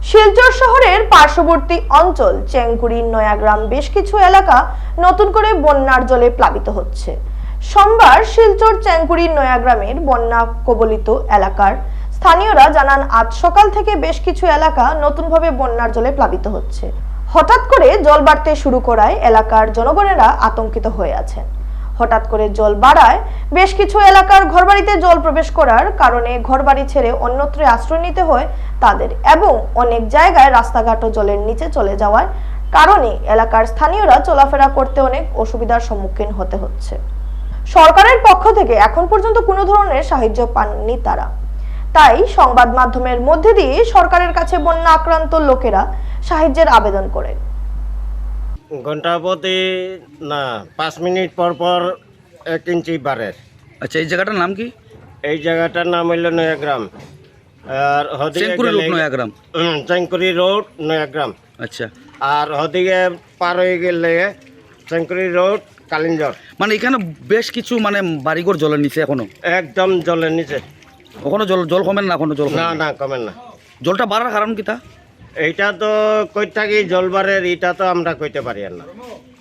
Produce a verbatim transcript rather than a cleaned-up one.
শিলচর শহরের পার্শ্ববর্তী অঞ্চল চেংকুড়ি নয়াগ্রাম বেশ কিছু এলাকা নতুন করে বন্যার জলে প্লাবিত হচ্ছে। সোমবার শিলচর চেংকুড়ি নয়াগ্রামের বন্যা কবলিত এলাকার স্থানীয়রা জানান আজ সকাল থেকে বেশ কিছু এলাকা নতুনভাবে বন্যার জলে প্লাবিত হচ্ছে। হঠাৎ করে জল বাড়তে শুরু করায় এলাকার জনগণেরা আতঙ্কিত হয়ে আছেন। হঠাৎ করে জল বাড়ায় বেশ কিছু এলাকার ঘরবাড়িতে জল প্রবেশ করার কারণে ঘরবাড়ি ছেড়ে অন্যত্র আশ্রয় নিতে হয় তাদের, এবং অনেক জায়গায় রাস্তাঘাটও জলের নিচে চলে যাওয়ার কারণে এলাকার স্থানীয়রা চলাফেরা করতে অনেক অসুবিধার সম্মুখীন হতে হচ্ছে। সরকারের পক্ষ থেকে এখন পর্যন্ত কোনো ধরনের সাহায্য পাননি তারা, তাই সংবাদ মাধ্যমের মধ্যে দিয়ে সরকারের কাছে বন্যা আক্রান্ত লোকেরা সাহায্যের আবেদন করেন। ঘন্টা প্রতি না পাঁচ মিনিট পর পর এক ইঞ্চি বাড়ে। আচ্ছা, এই জায়গাটার নাম কি? এই জায়গাটার নাম হইল নয়াগ্রাম, আর হদিকে চেংকুড়ি রোড গেলে- নয়াগ্রাম। হুম, চেংকুড়ি রোড নয়াগ্রাম। আচ্ছা, আর হদিকে পার হয়ে গেলে চেংকুড়ি রোড কালিঞ্জর। মানে এখানে বেশ কিছু মানে বাড়িঘর জলের নিচে এখনো একদম জলের নিচে। ওখানে জল জল কমেন না? এখনো জল কমে না না? না কমেন না। জলটা বাড়ার কারণ কি তা? এইটা তো কই থাকি জলবারের, এটা তো আমরা কইতে পারি আর না।